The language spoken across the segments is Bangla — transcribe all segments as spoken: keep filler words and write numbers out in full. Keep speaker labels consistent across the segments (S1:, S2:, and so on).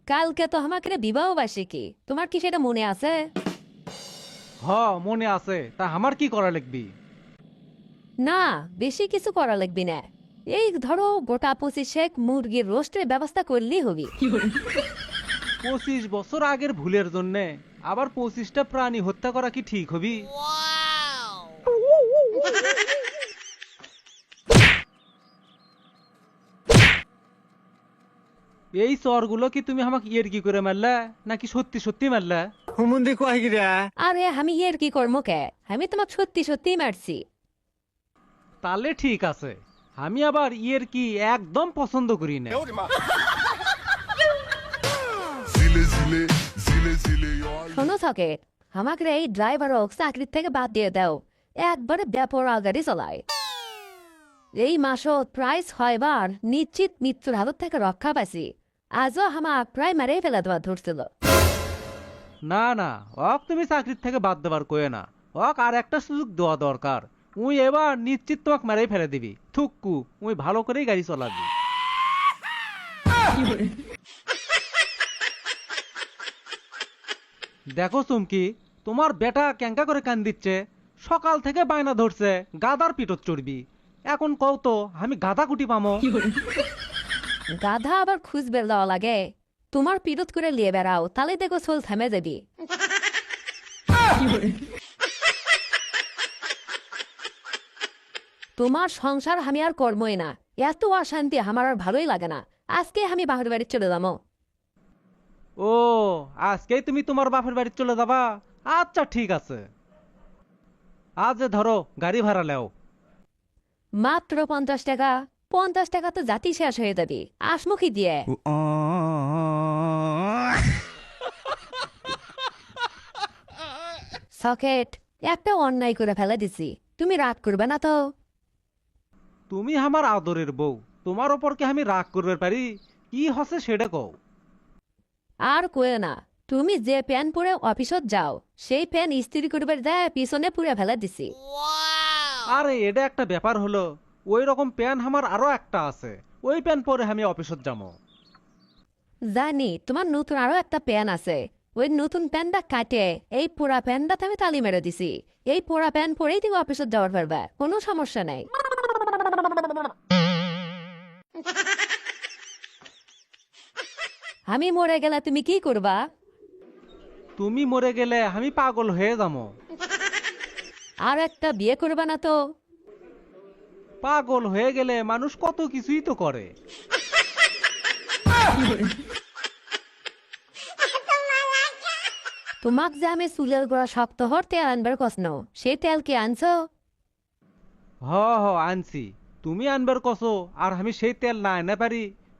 S1: কালকে তো আমাকে বিবাহ বার্ষিকী, তোমার কি সেটা মনে আছে?
S2: হ মনে আছে, তা আমার কি করা লাগবি?
S1: না, বেশি কিছু করা লাগবে না। এই ধরো গোটা পঁচিশেক মুরগির রোস্টের ব্যবস্থা করলেই হবি।
S2: পঁচিশ বছর আগের ভুলের জন্য আবার পঁচিশটা প্রাণী হত্যা করা কি ঠিক হবি? এই চরগুলো কি তুমি আমাকে ইয়ের কি করে মারলা নাকি সত্যি সত্যি মারলা?
S3: হুমুন্দি কয় গিরা
S1: আরে আমি এর কি কর্ম কে, আমি তোমাকে সত্যি সত্যি মারছি।
S2: তাহলে ঠিক আছে, আমি আবার ইয়ের কি একদম পছন্দ করি না।
S1: শোনো সকেট, আমাকে এই ড্রাইভার চাকরির থেকে বাদ দিয়ে দাও। একবারে ব্যাপরা গাড়ি চালায়। এই মাসত প্রায় ছয়বার নিশ্চিত মৃত্যুর হাত থেকে রক্ষা পাইছি। আজও আমাক প্রায় মেরেই ফেলে দেওয়া ধরছিল।
S2: না না, অক তুমি চাকরির থেকে বাদ দেবার কয়ে না, অক আর একটা সুযোগ দেওয়া দরকার। উই এবার নিশ্চিত তোমাকে মেরেই ফেলে দিবি। থুক্কু, উই ভালো করেই গাড়ি চালাবি। দেখো চুমকি, তোমার বেটা ক্যাঙ্কা করে কান দিচ্ছে। সকাল থেকে বায়না ধরছে গাদার পিঠত চড়বি। এখন কও তো আমি গাদা কুটি পামো?
S1: গাধা আবার খুঁজবে দেওয়া লাগে? তোমার পিরত করে লিয়ে বেড়াও, তাহলে দেখো সোল থেমে যাবি। তোমার সংসার আমি আর কর্মই না। এত অশান্তি আমার আর ভালোই লাগে না। আজকে আমি বাহির বাড়ি চলে যাবো।
S2: ও, আজকেই তুমি তোমার বাপের বাড়ি চলে যাবা? আচ্ছা ঠিক আছে, আজ ধরো গাড়ি ভাড়া লেও।
S1: মাত্র পঞ্চাশ টাকা। পঞ্চাশ টাকা তো জাতি শেষ হয়ে যাবি, আসমুখী দিয়ে। সকেট, একটা অন্যায় করে ফেলে দিছি, তুমি রাগ করবে না তো?
S2: তুমি আমার আদরের বউ, তোমার ওপর কি আমি রাগ করবে পারি? কি হসে সেটা কও।
S1: আর কয়ে না, তুমি যে প্যান পরে অফিসত যাও সেই প্যান ইস্ত্রি করবার দেয় পিছনে পুড়ে ফেলে দিছি।
S2: আরে এটা একটা ব্যাপার হলো, ওই রকম প্যান আমার আরো একটা আছে, ওই প্যান পরে আমি অফিসত যাবো।
S1: জানি তোমার নতুন আরো একটা প্যান আছে। ওই নতুন প্যানটা কাটে এই পোড়া প্যানটা আমি তালি মেরে দিছি। এই পোড়া প্যান পরেই তুমি অফিসত যাওয়ার পারবে, কোনো সমস্যা নাই। আমি মরে গেলে তুমি কি করবা?
S2: তুমি মরে গেলে আমি পাগল হয়ে যাবো।
S1: আর একটা বিয়ে করবা না তো?
S2: পাগল হয়ে গেলে মানুষ কত কিছুই তো করে।
S1: তোমাক যে আমি চুলের গোড়া শক্ত হর তেল আনবার কসনো, সেই তেল কি আনছো?
S2: হ হ আনছি, তুমি আনবার কসো আর আমি সেই তেল না এনে পারি?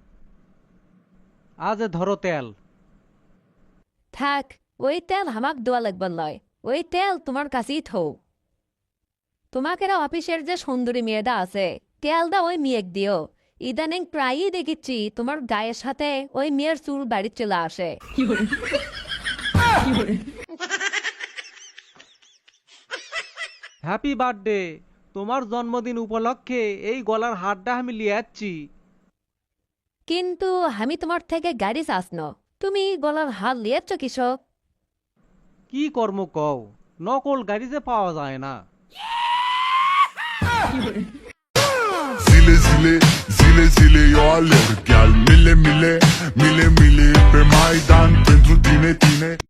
S2: আজ ধরো তেল।
S1: থাক, ওই তেল হামাক দোয়া লাগবার লয়। ওই তেল তোমার কাছেই থৌ। তোমাকে অফিসের যে সুন্দরী মেয়েটা আছে, তেলটা ওই মেয়েক দিও। ইদানিং প্রায়ই দেখিচ্ছি তোমার গায়ের সাথে ওই মেয়ের চুল বাড়ির চলে আসে।
S2: হ্যাপি বার্থডে, তোমার জন্মদিন উপলক্ষে এই গলার হারটা আমি লিয়ে যাচ্ছি।
S1: কিন্তু আমি তোমার থেকে গাড়ি চাসনো, তুমি গলার হাত লিয়েছ কৃষক।
S2: কি কর্ম কও, নকল গাড়ি যে পাওয়া যায় না।
S4: Zile zile, zile zile eu alerg, iar mile mile, mile mile pe Maidan pentru tine, tine